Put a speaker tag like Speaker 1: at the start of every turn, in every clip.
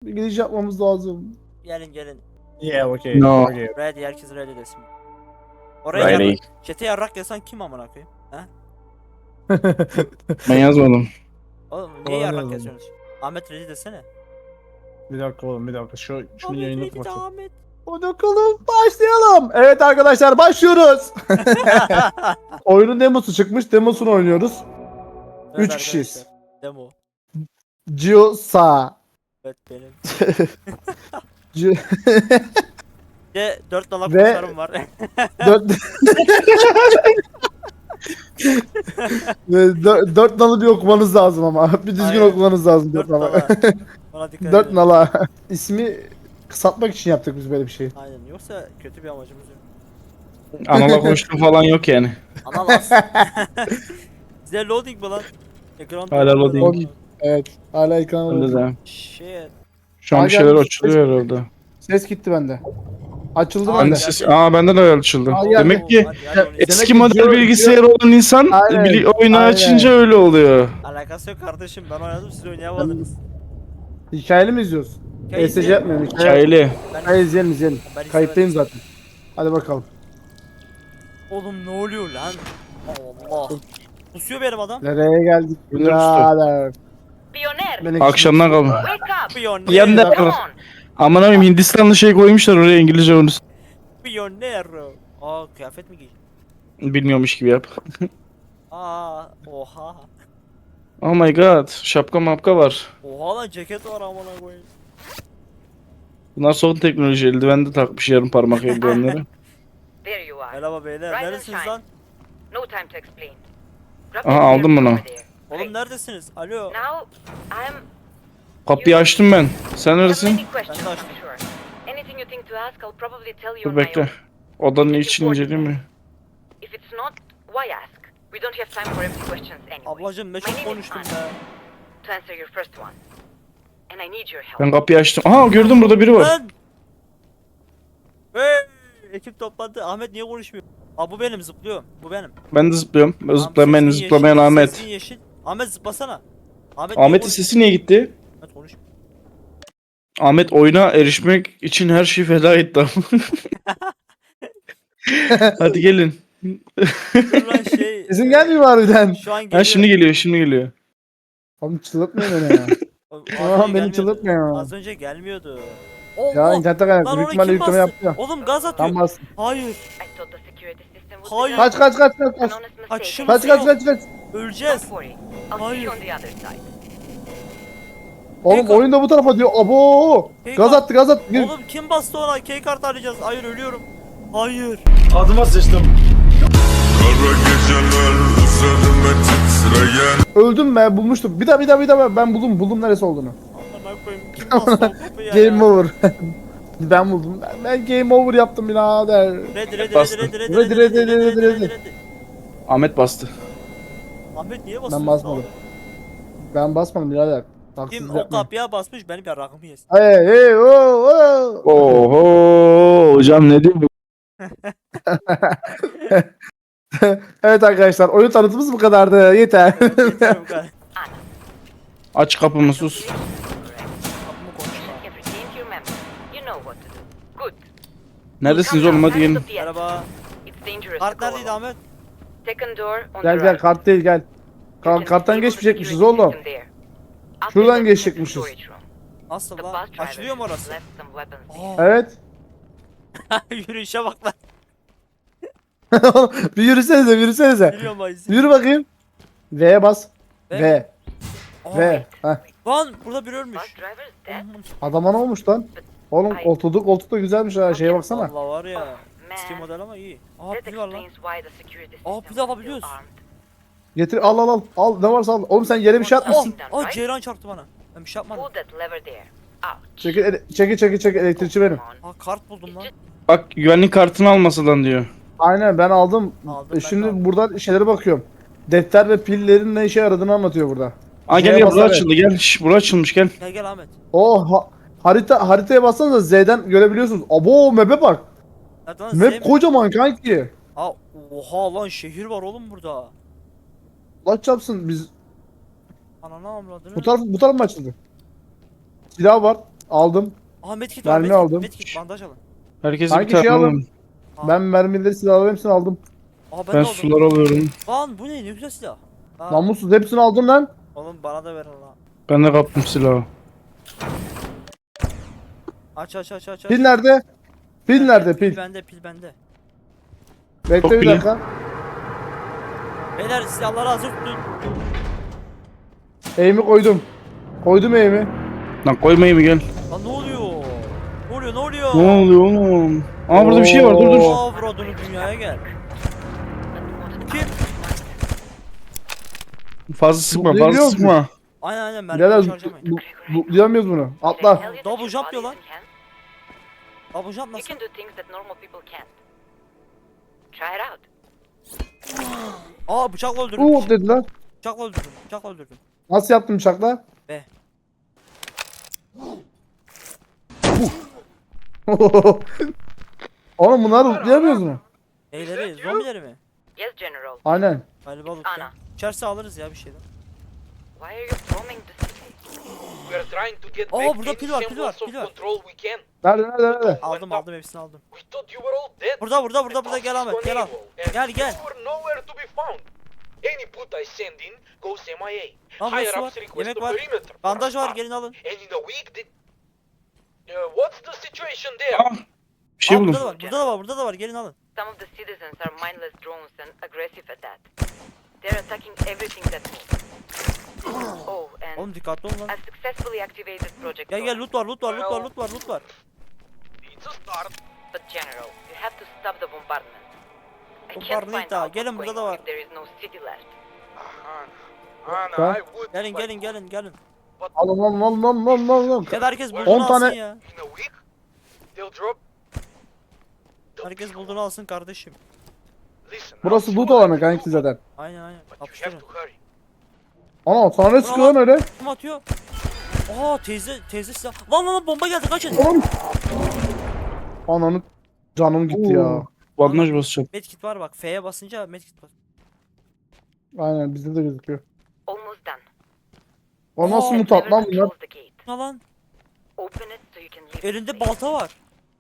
Speaker 1: Bir giriş yapmamız lazım.
Speaker 2: Gelin gelin.
Speaker 1: Yeah, okay.
Speaker 3: No.
Speaker 1: Okay.
Speaker 2: Ready, herkes ready desin. Oraya
Speaker 3: Ready.
Speaker 2: yarrak. Çete yarrak yazan kim amına koyayım? Ha?
Speaker 3: Ben yazmadım.
Speaker 2: Oğlum niye
Speaker 1: Bana
Speaker 2: yarrak
Speaker 1: yazalım.
Speaker 2: yazıyorsunuz? Ahmet ready desene.
Speaker 1: Bir dakika oğlum, bir dakika. Şunu
Speaker 2: Ahmet
Speaker 1: yayını
Speaker 2: ready de
Speaker 1: kapatayım.
Speaker 2: Ahmet.
Speaker 1: Hadi bakalım, başlayalım. Evet arkadaşlar, başlıyoruz. Oyunun demosu çıkmış. Demosunu oynuyoruz.
Speaker 2: Evet
Speaker 1: 3 kişiyiz.
Speaker 2: arkadaşlar, Demo.
Speaker 1: Giosa.
Speaker 2: Evet benim.
Speaker 1: Gio...
Speaker 2: De 4 dalak
Speaker 1: Ve-
Speaker 2: kuşlarım var.
Speaker 1: 4 nalı bir okumanız lazım ama. Bir düzgün
Speaker 2: Aynen.
Speaker 1: okumanız lazım 4
Speaker 2: 4
Speaker 1: nalı.
Speaker 2: dala. Ona dikkat
Speaker 1: 4
Speaker 2: edin.
Speaker 1: nala. İsmi kısaltmak için yaptık biz böyle bir şey.
Speaker 2: Aynen, yoksa kötü bir amacımız yok.
Speaker 3: Anala koştum falan yok yani.
Speaker 2: Ana las. Size loading mi lan? Ekran
Speaker 3: Hala loading.
Speaker 1: Evet. Hala ekran
Speaker 3: Bende
Speaker 1: var.
Speaker 3: de.
Speaker 2: Shit.
Speaker 3: Şu an
Speaker 1: Aa,
Speaker 3: bir şeyler
Speaker 1: gelmiş.
Speaker 3: açılıyor herhalde.
Speaker 1: Ses gitti bende. Açıldı
Speaker 2: Aa,
Speaker 1: bende.
Speaker 3: Bende de açıldı.
Speaker 1: Aa, geldi.
Speaker 3: Demek ki
Speaker 2: Hadi onu
Speaker 1: Demek
Speaker 3: eski
Speaker 1: ki
Speaker 3: model
Speaker 1: Gio-
Speaker 3: bilgisayarı olan insan
Speaker 1: Aynen,
Speaker 3: oyunu
Speaker 1: aynen.
Speaker 3: açınca öyle oluyor.
Speaker 2: alakası yok kardeşim, ben oynadım, siz oynayamadınız.
Speaker 1: Hikayeli mi izliyoruz?
Speaker 2: Hikaye
Speaker 1: ESC
Speaker 2: izleyelim.
Speaker 1: yapmıyorum.
Speaker 3: Hikayeli.
Speaker 1: Hikaye izleyelim.
Speaker 2: Ben
Speaker 1: Kayıttayım zaten. Hadi bakalım.
Speaker 2: Oğlum ne oluyor lan? Allah. Kusuyor benim adam.
Speaker 1: Nereye geldik?
Speaker 3: Önder
Speaker 1: Birader.
Speaker 4: Pioner,
Speaker 1: Benim
Speaker 3: Akşamdan kalma.
Speaker 4: wake up!
Speaker 2: Pionero.
Speaker 3: Yanında
Speaker 4: Come on!
Speaker 3: aman abim Hindistanlı şey koymuşlar oraya İngilizce onu
Speaker 2: Pionero. Aa, kıyafet mi giy?
Speaker 3: bilmiyormuş gibi yap.
Speaker 2: Aa, oha.
Speaker 3: Oh my god, şapka mapka var.
Speaker 2: Oha lan, ceket var amına koyayım.
Speaker 3: Bunlar son teknoloji, eldiven de takmış yarım parmak eldivenleri.
Speaker 4: There you are.
Speaker 2: Merhaba beyler,
Speaker 4: Rise and
Speaker 2: neredesiniz
Speaker 4: shine.
Speaker 2: lan?
Speaker 4: No time to explain. Grab
Speaker 3: Aha,
Speaker 4: the
Speaker 3: aldım
Speaker 4: gear
Speaker 3: bunu.
Speaker 4: over there.
Speaker 2: Oğlum
Speaker 4: Great.
Speaker 2: neredesiniz? Alo.
Speaker 4: Now, I'm...
Speaker 3: Kapıyı açtım ben. Sen
Speaker 4: have
Speaker 3: neredesin?
Speaker 4: many questions,
Speaker 2: Ben de
Speaker 4: I'm
Speaker 2: açtım.
Speaker 4: sure. Anything you think to ask, I'll probably tell you
Speaker 3: Dur
Speaker 4: on my
Speaker 3: bekle.
Speaker 4: own.
Speaker 3: Odanın için inceleyeyim mi?
Speaker 4: If it's not, why ask? We don't have time for empty questions anyway.
Speaker 2: Ablacım ne
Speaker 4: My
Speaker 2: çok
Speaker 4: name is
Speaker 2: konuştum
Speaker 4: Anna,
Speaker 2: be.
Speaker 4: to answer your first one. And I need your help.
Speaker 3: Ben kapıyı açtım. Aha gördüm burada biri var.
Speaker 2: Lan! Hey! Ekip toplandı. Ahmet niye konuşmuyor? Aa, bu benim, zıplıyorum. Bu benim.
Speaker 3: Ben de zıplıyorum.
Speaker 2: Tamam,
Speaker 3: Zıplamayan,
Speaker 2: sesin
Speaker 3: zıplamayan
Speaker 2: yeşil,
Speaker 3: Ahmet.
Speaker 2: sesin yeşil. Ahmet zıplasana. Ahmet niye
Speaker 3: Ahmet'in
Speaker 2: konuşmuyor?
Speaker 3: sesi niye gitti?
Speaker 2: Ahmet konuş.
Speaker 3: Ahmet oyuna erişmek için her şeyi feda etti. Hadi gelin.
Speaker 2: Dur lan şey.
Speaker 1: Sesim gelmiyor harbiden.
Speaker 2: Şu an geliyor.
Speaker 3: Ha şimdi geliyor, şimdi geliyor.
Speaker 1: Oğlum çıldırtmayın beni ya.
Speaker 2: Az
Speaker 1: Tamam,
Speaker 2: önce
Speaker 1: beni
Speaker 2: gelmiyordu.
Speaker 1: çıldırtmayın.
Speaker 2: Az önce gelmiyordu.
Speaker 1: Ya
Speaker 2: Allah!
Speaker 1: internette
Speaker 2: Lan
Speaker 1: kaynaklı.
Speaker 2: onu
Speaker 1: Büyük ihtimalle
Speaker 2: kim
Speaker 1: yükleme
Speaker 2: bastı?
Speaker 1: yaptı ya.
Speaker 2: Oğlum gaz atıyor.
Speaker 1: Tam bastım.
Speaker 2: Hayır.
Speaker 4: I thought the security system would
Speaker 2: Hayır.
Speaker 4: be
Speaker 1: Kaç kaç kaç kaç
Speaker 4: an
Speaker 1: kaç.
Speaker 4: honest mistake.
Speaker 2: Kaçışım-
Speaker 1: Kaç kaç kaç kaç.
Speaker 2: Öleceğiz.
Speaker 4: Don't worry. I'll see
Speaker 2: Hayır.
Speaker 4: you on the other side.
Speaker 1: Oğlum
Speaker 2: Keyka-
Speaker 1: oyun da bu tarafa diyor. Abo.
Speaker 2: Keyka-
Speaker 1: Gaz attı gaz attı. Gir.
Speaker 2: Oğlum kim bastı ona? K-kart arayacağız. Hayır, ölüyorum. Hayır.
Speaker 1: Adıma sıçtım.
Speaker 5: Kara geceler üzerime titreyen
Speaker 1: Öldüm be, bulmuştum. Bir daha ben buldum neresi olduğunu.
Speaker 2: Amına koyayım. Kim bastı o kapıya ya?
Speaker 1: Game over. Ben buldum. Ben game over yaptım birader.
Speaker 2: Ready
Speaker 3: Bastım.
Speaker 2: ready.
Speaker 3: Ahmet bastı.
Speaker 2: Ahmet niye basıyorsun?
Speaker 1: Ben basmadım. Ben basmadım birader.
Speaker 2: Kim
Speaker 1: Taksizlik
Speaker 2: o
Speaker 1: yapmayın.
Speaker 2: kapıya basmış, benim yarrağımı yesin.
Speaker 1: Hey hey oh.
Speaker 3: Oho hocam ne diyor?
Speaker 1: Evet arkadaşlar, oyun tanıtımımız bu kadardı. Yeter.
Speaker 2: Yeter bu kadar.
Speaker 3: Aç kapımı sus.
Speaker 4: Correct.
Speaker 2: Kapımı konuşma.
Speaker 4: Everything you remember. You know what to do. Good.
Speaker 3: Neredesiniz
Speaker 4: Come
Speaker 3: oğlum
Speaker 4: now,
Speaker 3: hadi gelin.
Speaker 4: hands up the edge.
Speaker 2: Merhaba.
Speaker 4: It's dangerous to
Speaker 2: Kart
Speaker 4: go
Speaker 2: neredeydi
Speaker 4: alone.
Speaker 2: Ahmet?
Speaker 4: Second door on
Speaker 1: Gel
Speaker 4: the
Speaker 1: gel,
Speaker 4: right.
Speaker 1: kart değil gel.
Speaker 4: You can
Speaker 1: Karttan
Speaker 4: disable the
Speaker 1: geçmeyecekmişiz
Speaker 4: security
Speaker 1: oğlum.
Speaker 4: system there. After
Speaker 1: Şuradan
Speaker 4: that, you head to
Speaker 1: geçecekmişiz.
Speaker 4: storage room.
Speaker 2: Nasıl
Speaker 4: The
Speaker 2: lan?
Speaker 4: bus driver
Speaker 2: Açılıyor mu orası?
Speaker 4: left some weapons there.
Speaker 2: Aa,
Speaker 1: Evet.
Speaker 2: yürüyüşe bak lan.
Speaker 1: Bir yürüsenize.
Speaker 2: Yürüyorum bayisi.
Speaker 1: Yürü bakayım. V'ye bas. V.
Speaker 2: Aa,
Speaker 1: V. Heh.
Speaker 2: Lan burada biri ölmüş.
Speaker 4: Bus driver is dead.
Speaker 1: Adama ne olmuş lan? Oğlum koltuk da güzelmiş ha, şeye baksana.
Speaker 2: Vallahi var ya.
Speaker 4: Man,
Speaker 2: Eski model ama iyi. Aa,
Speaker 4: that
Speaker 2: pil var lan.
Speaker 4: explains why the security
Speaker 2: Aa,
Speaker 4: system
Speaker 2: pil
Speaker 4: was still
Speaker 2: alabiliyoruz.
Speaker 4: armed.
Speaker 1: Getir al. Al ne varsa al. Oğlum sen yere bir şey atmışsın.
Speaker 2: Aa, Ceyran çarptı bana. Ben bir şey yapmadım.
Speaker 4: Pull that lever there. Ouch.
Speaker 1: Çekil elektrikçi benim.
Speaker 4: Come on.
Speaker 2: Aa, kart buldum lan.
Speaker 3: Bak güvenlik kartını almasadan diyor.
Speaker 1: Aynen ben aldım.
Speaker 2: Aldım, ben de
Speaker 1: Şimdi
Speaker 2: aldım.
Speaker 1: buradan şeylere bakıyorum. Defter ve pillerin ne işe yaradığını anlatıyor burada.
Speaker 3: Aa gel
Speaker 1: Şeye
Speaker 3: gel bura
Speaker 1: basarak.
Speaker 3: açıldı gel. Şş, bura açılmış gel.
Speaker 2: Gel Ahmet.
Speaker 1: Haritaya bassanıza Z'den görebiliyorsunuz. Abo map'e bak.
Speaker 2: Nerede lan?
Speaker 1: Map
Speaker 2: Zeynep?
Speaker 1: kocaman kanki.
Speaker 2: Aa, oha lan, şehir var oğlum burada.
Speaker 1: Allah çarpsın biz.
Speaker 2: Ananı avradını.
Speaker 1: Bu taraf mı açıldı? Silah var. Aldım.
Speaker 2: Aa medkit var,
Speaker 1: Mermi
Speaker 2: medkit,
Speaker 1: aldım.
Speaker 2: medkit, bandaj alın.
Speaker 3: Herkese bir
Speaker 1: Hangi
Speaker 3: tane
Speaker 1: şey alın?
Speaker 3: alalım.
Speaker 2: Aa.
Speaker 1: Ben mermileri silahları hepsini aldım.
Speaker 2: Aa ben
Speaker 3: Ben
Speaker 2: de aldım.
Speaker 3: sular alıyorum.
Speaker 2: Lan bu ne güzel silah. Aa,
Speaker 1: Namussuz hepsini aldım lan.
Speaker 2: oğlum bana da verin lan.
Speaker 3: Ben de kaptım silahı.
Speaker 2: Aç.
Speaker 1: Pil nerede? Pil nerede
Speaker 2: Pil
Speaker 1: pil?
Speaker 2: bende, pil bende.
Speaker 1: Bekle
Speaker 3: Çok
Speaker 1: bir
Speaker 3: pili.
Speaker 1: dakika.
Speaker 2: Beyler silahları hazır tutun.
Speaker 1: Eğimi koydum. Koydum eğimi.
Speaker 3: Lan koymayayım mı gel.
Speaker 2: Lan ne oluyor? Ne oluyor?
Speaker 3: Ne oluyor oğlum? Aa burada bir şey var, dur dur.
Speaker 1: Oo.
Speaker 2: Avradını dünyaya gel. Kim?
Speaker 3: Fazla sıkma, fazla
Speaker 1: Zıplayabiliyor
Speaker 3: sıkma.
Speaker 2: Aynen mermi
Speaker 1: Birader
Speaker 2: harcamayın.
Speaker 1: duyamıyoruz bunu. Atla.
Speaker 4: Tell you
Speaker 2: Double
Speaker 4: that your
Speaker 2: jump
Speaker 4: body
Speaker 2: diyor lan.
Speaker 4: isn't hand,
Speaker 2: Double jump
Speaker 4: You
Speaker 2: nasıl?
Speaker 4: can do things that normal people can't. Try it out.
Speaker 2: Aa bıçakla öldürdüm.
Speaker 1: Uuu dediler.
Speaker 2: Bıçakla öldürdüm. Bıçakla öldürdüm.
Speaker 1: Nasıl yaptın bıçakla?
Speaker 2: Be.
Speaker 1: Oğlum bunları lootlayamıyoruz mu?
Speaker 2: Neyleri? Zombileri mi?
Speaker 4: Yes, General.
Speaker 1: Aynen.
Speaker 2: Galiba lütfen.
Speaker 4: Ana.
Speaker 2: İçerse alırız ya bir şeyden.
Speaker 4: Why are you bombing the city?
Speaker 6: We are trying to get
Speaker 2: Oh,
Speaker 6: back
Speaker 2: burada
Speaker 6: any
Speaker 2: pil var, pil var,
Speaker 6: semblance of
Speaker 2: pil var.
Speaker 6: control we can.
Speaker 1: Nerede?
Speaker 2: Aldım hepsini aldım.
Speaker 6: We thought you were all dead.
Speaker 2: Burada gel Ahmet gel al.
Speaker 6: And
Speaker 2: Gel, gel.
Speaker 6: You were nowhere to be found. Any put I send in goes MIA.
Speaker 2: Lan
Speaker 6: Higher
Speaker 2: burası var.
Speaker 6: ups request
Speaker 2: Yemek
Speaker 6: the
Speaker 2: var.
Speaker 6: perimeter.
Speaker 2: Bandaj var
Speaker 6: Start.
Speaker 2: gelin alın.
Speaker 6: And in a week the... what's the situation there?
Speaker 3: Aa, bir şey
Speaker 2: Aa,
Speaker 3: buldum.
Speaker 2: burada da var gelin alın.
Speaker 4: Some of the citizens are mindless drones and aggressive at that. They're attacking everything that moves. Oh, and
Speaker 2: Oğlum dikkatli olun lan.
Speaker 4: I successfully activated Project
Speaker 2: Gel
Speaker 4: Dawn.
Speaker 2: loot var.
Speaker 6: It's a start.
Speaker 4: But General, you have to stop the bombardment. I can't
Speaker 2: Bombardment
Speaker 4: find
Speaker 2: daha,
Speaker 4: out
Speaker 2: gelin
Speaker 4: what's
Speaker 2: burada
Speaker 4: going
Speaker 2: da
Speaker 4: on
Speaker 2: var.
Speaker 4: if there is no city left.
Speaker 6: Anna, I would...
Speaker 2: Gelin.
Speaker 6: But
Speaker 1: Alın.
Speaker 2: Ya da herkes
Speaker 1: 10
Speaker 2: bulduğunu alsın
Speaker 1: tane-
Speaker 2: ya.
Speaker 6: in a week, they'll drop...
Speaker 2: Herkes bulduğunu alsın kardeşim.
Speaker 6: Listen,
Speaker 1: Burası
Speaker 6: I'll
Speaker 1: loot
Speaker 6: see what I
Speaker 1: alanı
Speaker 6: can
Speaker 1: kanki
Speaker 6: do,
Speaker 1: zaten.
Speaker 2: Aynen.
Speaker 6: But you have
Speaker 2: Kapıştırın.
Speaker 6: to hurry.
Speaker 1: Ana sana ne sıkıyor lan öyle?
Speaker 2: Kim atıyor? Aa teyze silah. Lan bomba geldi kaçın.
Speaker 1: Oğlum. Ananı canım gitti ya.
Speaker 3: Bandaj basacağım.
Speaker 2: Medkit var bak. F'ye basınca medkit bas.
Speaker 1: Aynen bizde de gözüküyor.
Speaker 4: Almost done.
Speaker 1: O nasıl
Speaker 2: Aa,
Speaker 1: mutat
Speaker 4: Never
Speaker 1: lan bunlar?
Speaker 4: close the gate.
Speaker 2: Ne lan?
Speaker 4: Open it so you can leave.
Speaker 2: Elinde
Speaker 4: the place.
Speaker 2: balta var.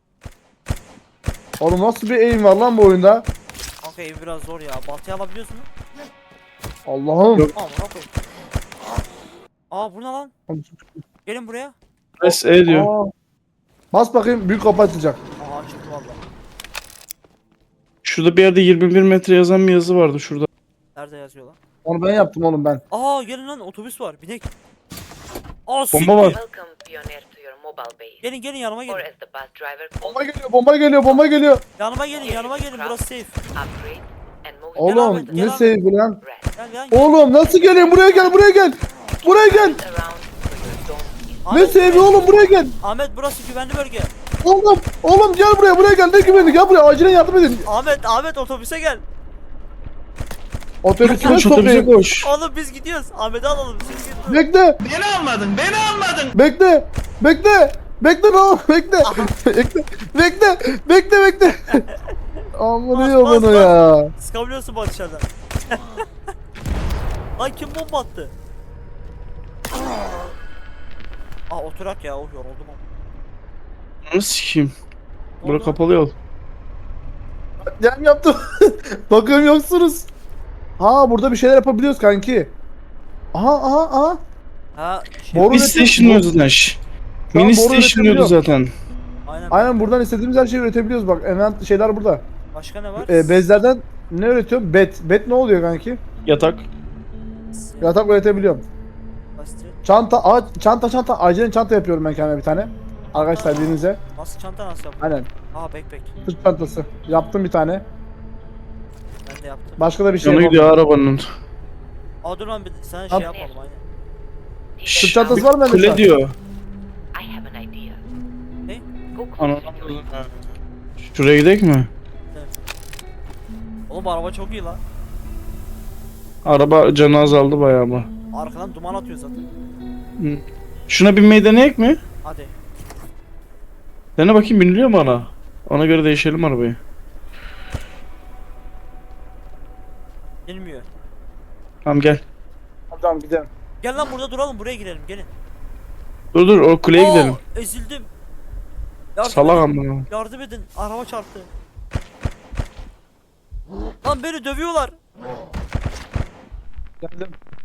Speaker 1: Oğlum nasıl bir aim var lan bu oyunda?
Speaker 2: Kanka ev biraz zor ya. Baltayı alabiliyorsun mu?
Speaker 1: Allah'ım.
Speaker 3: Yok.
Speaker 2: Aman okey. Aa bu ne lan? Gelin buraya.
Speaker 3: Press E diyor.
Speaker 1: Aa. Bas bakayım büyük kapı açacak.
Speaker 2: Aa çıktı valla.
Speaker 3: Şurada bir yerde 21 metre yazan bir yazı vardı şurada.
Speaker 2: Nerede yazıyor lan?
Speaker 1: Onu ben yaptım oğlum ben.
Speaker 2: Aa gelin lan otobüs var. Binek. Aa
Speaker 3: Bomba var.
Speaker 4: Welcome, Pioneer, to your mobile base.
Speaker 2: Gelin yanıma
Speaker 4: Or
Speaker 2: gelin.
Speaker 4: as the bus driver calls
Speaker 1: Bomba geliyor.
Speaker 2: Yanıma gelin burası safe.
Speaker 4: upgrade and most
Speaker 2: Gel
Speaker 1: Oğlum
Speaker 2: Ahmet,
Speaker 1: ne
Speaker 2: gel Ahmet.
Speaker 1: sevgi lan?
Speaker 4: rest.
Speaker 2: Gel.
Speaker 1: Oğlum nasıl geleyim buraya gel.
Speaker 4: Around so your dome is
Speaker 1: Ne sevgi oğlum buraya gel.
Speaker 2: Ahmet burası güvenli bölge.
Speaker 1: Oğlum gel buraya gel. Ne güvenlik gel buraya acilen yardım edin.
Speaker 2: Ahmet otobüse gel.
Speaker 1: Otobüsüne
Speaker 3: Koş otobüse
Speaker 1: sokayım.
Speaker 3: koş.
Speaker 2: Oğlum biz gidiyoruz. Ahmet'i alalım siz gidin.
Speaker 1: Bekle. Bekle ne oğlum bekle. Bekle. Amına
Speaker 2: Bas,
Speaker 1: yolunu
Speaker 2: bas.
Speaker 1: ya.
Speaker 2: Sıkabiliyorsun bak dışarıdan. Lan kim bomba attı? Aa oturak ya. Oh yoruldum ama.
Speaker 3: Nasıl sikeyim?
Speaker 2: Ne
Speaker 3: Bura
Speaker 2: oldu?
Speaker 3: kapalı yol.
Speaker 1: Yem yaptım. Bakıyorum yoksunuz. Ha burada bir şeyler yapabiliyoruz kanki. Aha.
Speaker 2: Ha
Speaker 1: Boru
Speaker 3: Mini
Speaker 1: üretiyor-
Speaker 3: station diyordu zaten. şş.
Speaker 1: Şu an
Speaker 3: Mini
Speaker 1: boru
Speaker 3: station diyordu
Speaker 1: üretebiliyor.
Speaker 3: zaten.
Speaker 2: aynen.
Speaker 1: Buradan istediğimiz her şeyi üretebiliyoruz bak. Event şeyler burada.
Speaker 2: Başka ne var?
Speaker 1: Bezlerden ne üretiyorum? Bet ne oluyor kanki?
Speaker 3: Yatak.
Speaker 1: Yatak üretebiliyorum.
Speaker 2: Basit.
Speaker 1: Çanta. Acilen çanta yapıyorum ben kendime bir tane. Arkadaşlar birinize.
Speaker 2: Nasıl çanta nasıl yaptın?
Speaker 1: Aynen.
Speaker 2: Aa backpack.
Speaker 1: Sırt çantası. Yaptım bir tane.
Speaker 2: Ben de yaptım.
Speaker 1: Başka da bir şey
Speaker 3: Yanı
Speaker 1: yapamam.
Speaker 3: gidiyor arabanın.
Speaker 2: Aa dur lan sana
Speaker 1: Yap.
Speaker 2: şey yapalım aynen.
Speaker 1: Sırt çantası var mı bende? şu
Speaker 3: Kule
Speaker 1: an?
Speaker 3: diyor.
Speaker 4: I have an idea.
Speaker 2: Ne?
Speaker 4: Go close
Speaker 3: Ana.
Speaker 4: to your
Speaker 3: Şuraya gidelim mi?
Speaker 2: Oğlum bu araba çok iyi lan.
Speaker 3: Araba canı azaldı bayağı ama.
Speaker 2: Arkadan duman atıyor zaten.
Speaker 3: Şuna binmeyi deneyek mi?
Speaker 2: Hadi.
Speaker 3: Dene bakayım biniliyor mu ana? Ona göre değişelim arabayı.
Speaker 2: Gelmiyor.
Speaker 3: Tamam gel.
Speaker 1: Tamam gidelim.
Speaker 2: Gel lan burada duralım buraya girelim gelin.
Speaker 3: Dur o kuleye gidelim.
Speaker 2: Ezildim. Yardım
Speaker 3: Salak
Speaker 2: edin.
Speaker 3: amına.
Speaker 2: Yardım edin. Araba çarptı. Lan beni dövüyorlar.
Speaker 1: Geldim.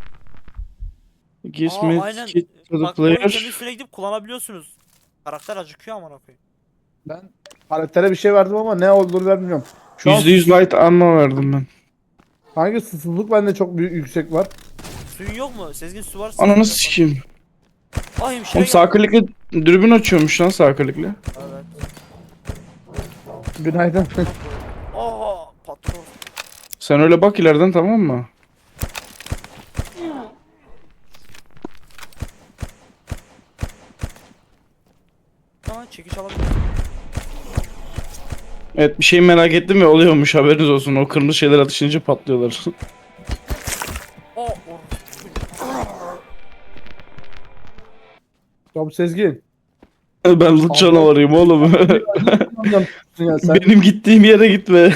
Speaker 3: Gives
Speaker 2: Aa,
Speaker 3: me
Speaker 2: aynen.
Speaker 3: kit to the
Speaker 2: Bak oyun kendi
Speaker 3: player.
Speaker 2: üstüne gidip kullanabiliyorsunuz. Karakter acıkıyor amına koyayım.
Speaker 1: Ben karaktere bir şey verdim ama ne olduğunu ben bilmiyorum. Şu an
Speaker 3: %100 light ammo verdim ben.
Speaker 1: hangi susuzluk bende çok büyük yüksek var.
Speaker 2: Suyun yok mu? Sezgin su var.
Speaker 3: Ananı sikeyim.
Speaker 2: Ay hemşire
Speaker 3: Oğlum sağ klikle dürbün açıyormuş lan sağ klikle.
Speaker 2: Evet.
Speaker 1: Günaydın.
Speaker 2: Aa patron.
Speaker 3: Sen öyle bak ileriden, tamam mı?
Speaker 2: Aa çekiç alabilir.
Speaker 3: Evet, bir şey merak ettim ve oluyormuş, haberiniz olsun. O kırmızı şeyler atışınca patlıyorlar.
Speaker 2: Aa or.
Speaker 1: Ya bu Sezgin.
Speaker 3: Ben loot canavarıyım oğlum.
Speaker 1: Ya sen,
Speaker 3: Benim gittiğim yere gitme.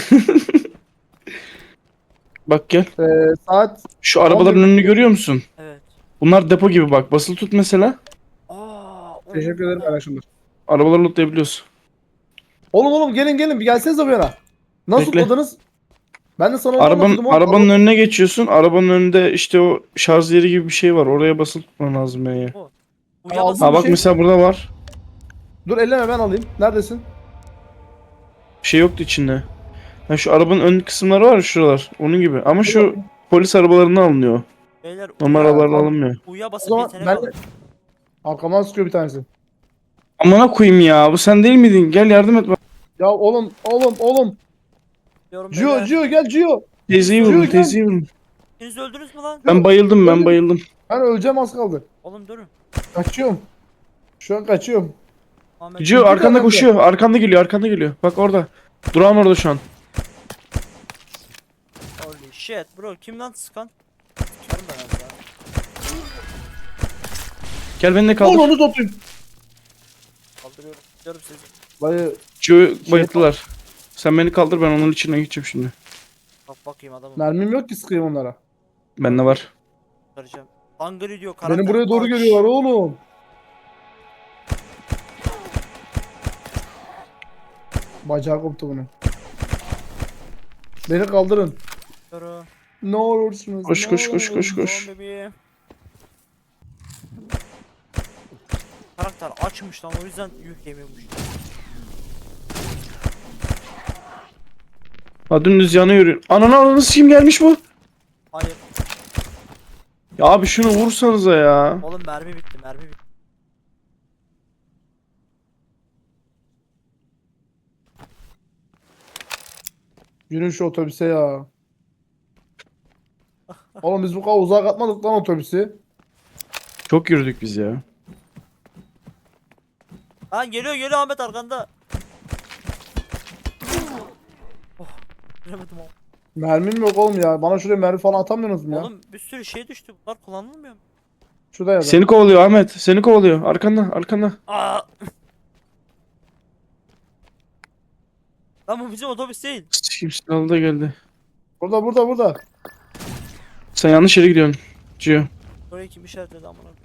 Speaker 3: Bak gel.
Speaker 1: saat
Speaker 3: Şu arabaların önünü görüyor musun?
Speaker 2: Evet.
Speaker 3: Bunlar depo gibi bak. Basılı tut mesela.
Speaker 1: teşekkür ederim arkadaşlar.
Speaker 3: Arabaları lootlayabiliyoruz.
Speaker 1: Oğlum gelin bir gelsenize bu yana. Nasıl
Speaker 3: Bekle.
Speaker 1: tutladınız? Ben de sana onu anlatıyordum oğlum.
Speaker 3: Arabanın önüne geçiyorsun. Arabanın önünde işte o şarj yeri gibi bir şey var. Oraya basılı tutman lazım yani.
Speaker 2: Uyuyamazsın.
Speaker 3: Ha
Speaker 1: bir
Speaker 3: bak
Speaker 1: şey-
Speaker 3: mesela burada var.
Speaker 1: Dur elleme ben alayım. Neredesin?
Speaker 3: Bir şey yoktu içinde. Ha şu arabanın ön kısımları var ya, şuralar. Onun gibi. Ama şu polis arabalarından alınıyor.
Speaker 2: Beyler
Speaker 3: Normal
Speaker 1: Ya,
Speaker 3: arabalardan
Speaker 1: tamam.
Speaker 3: alınmıyor.
Speaker 2: uyuya
Speaker 1: O
Speaker 2: basıp
Speaker 1: zaman
Speaker 2: yetenek
Speaker 1: ben
Speaker 2: alın.
Speaker 1: de... Arkamdan sıkıyor bir tanesi.
Speaker 3: Amına koyayım ya. Bu sen değil miydin? Gel yardım et bana.
Speaker 1: Ya oğlum.
Speaker 2: Diyorum
Speaker 1: Gio
Speaker 2: beyler.
Speaker 1: gel Gio.
Speaker 3: Teyzeyi
Speaker 1: Yürü,
Speaker 3: vurun,
Speaker 1: gel.
Speaker 3: teyzeyi vurun.
Speaker 2: Siz öldünüz mü lan?
Speaker 3: Ben bayıldım, ben
Speaker 1: Öldüm.
Speaker 3: bayıldım.
Speaker 1: Ben öleceğim az kaldı.
Speaker 2: Oğlum durun.
Speaker 1: Kaçıyorum. Şu an kaçıyorum.
Speaker 2: Ahmet.
Speaker 3: Gio
Speaker 1: İki
Speaker 3: arkanda
Speaker 1: tane
Speaker 3: koşuyor. Arkanda geliyor, arkanda geliyor. Bak orada. Durağın orada şu an.
Speaker 2: Holy shit bro. Kim lan sıkan? Çıkarım ben az ya.
Speaker 3: Gel beni de kaldır.
Speaker 1: Oğlum onu tutayım.
Speaker 2: Kaldırıyorum. Gidiyorum sizi.
Speaker 1: Dayı
Speaker 3: Gio'yu bayılttılar. Sen beni kaldır, ben onun içine geçeceğim şimdi.
Speaker 2: Bak bakayım adamım.
Speaker 1: mermim yok ki sıkayım onlara.
Speaker 3: Bende var.
Speaker 2: Kurtaracağım. Angry diyor karakter.
Speaker 1: Beni buraya doğru
Speaker 2: Aç.
Speaker 1: geliyorlar oğlum. Bacağı koptu bunun. Beni kaldırın.
Speaker 2: Yürü.
Speaker 1: Ne olursunuz.
Speaker 3: Koş,
Speaker 1: ne
Speaker 3: koş, koş, koş,
Speaker 1: olursunuz.
Speaker 3: koş.
Speaker 2: Tamam bebeğim. Karakter açmış lan o yüzden yük yemiyormuş.
Speaker 3: Ha dümdüz yana yürüyor. Ananı kim gelmiş bu?
Speaker 2: Hayır.
Speaker 3: Ya abi şunu vursanıza ya.
Speaker 2: Oğlum mermi bitti mermi bitti.
Speaker 1: Yürüyün şu otobüse ya. Oğlum biz bu kadar uzağa katmadık lan otobüsü.
Speaker 3: Çok yürüdük biz ya.
Speaker 2: Lan geliyor Ahmet arkanda. Oh. Göremedim oğlum.
Speaker 1: Mermim yok oğlum ya. Bana şuraya mermi falan atamıyorsunuz mu ya?
Speaker 2: Oğlum bir sürü şey düştü. Bunlar kullanılmıyor mu?
Speaker 1: Şurada ya da.
Speaker 3: Seni kovalıyor Ahmet. Seni kovalıyor. Arkanda, arkanda.
Speaker 2: Aa. Lan bu bizim otobüs değil.
Speaker 3: Kim silahlı da geldi.
Speaker 1: Burada.
Speaker 3: Sen yanlış yere gidiyorsun. Gio.
Speaker 2: Oraya kim işaretledi amına koyayım.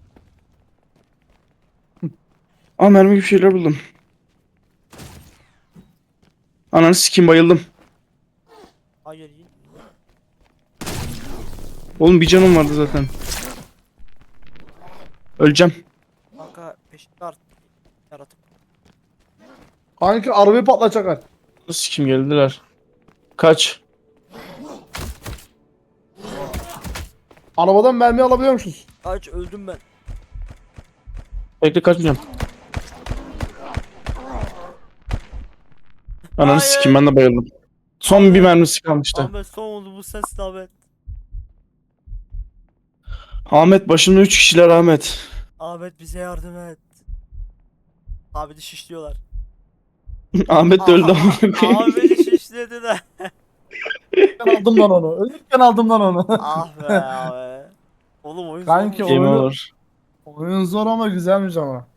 Speaker 3: Aa mermi gibi şeyler buldum. Ananı sikim, bayıldım.
Speaker 2: Hayır iyi.
Speaker 3: Oğlum bir canım vardı zaten. Öleceğim.
Speaker 2: Kanka peşinde artık. Yaratık.
Speaker 1: Kanki arabayı patlatacaklar.
Speaker 3: Nasıl kim geldiler? Kaç.
Speaker 1: Arabadan mermi alabiliyormuşuz.
Speaker 2: Kaç öldüm ben.
Speaker 3: Bekle, kaçmayacağım. Ananı
Speaker 2: Hayır.
Speaker 3: sikim, ben de bayıldım. Son bir mermisi kalmıştı.
Speaker 2: Ahmet son oldu bu sensin Ahmet.
Speaker 3: Ahmet başımda 3 kişiler Ahmet.
Speaker 2: Ahmet bize yardım et. Ahmet'i şişliyorlar.
Speaker 3: Ahmet de öldü ama.
Speaker 2: Ahmet'i şişlediler.
Speaker 1: Ben aldım lan onu. Ölürken aldım lan onu.
Speaker 2: Ah be abi. Oğlum oyun
Speaker 1: Kanki
Speaker 2: zormuş.
Speaker 3: Game
Speaker 1: oyunu-
Speaker 3: over.
Speaker 1: Oyun zor ama güzelmiş ama.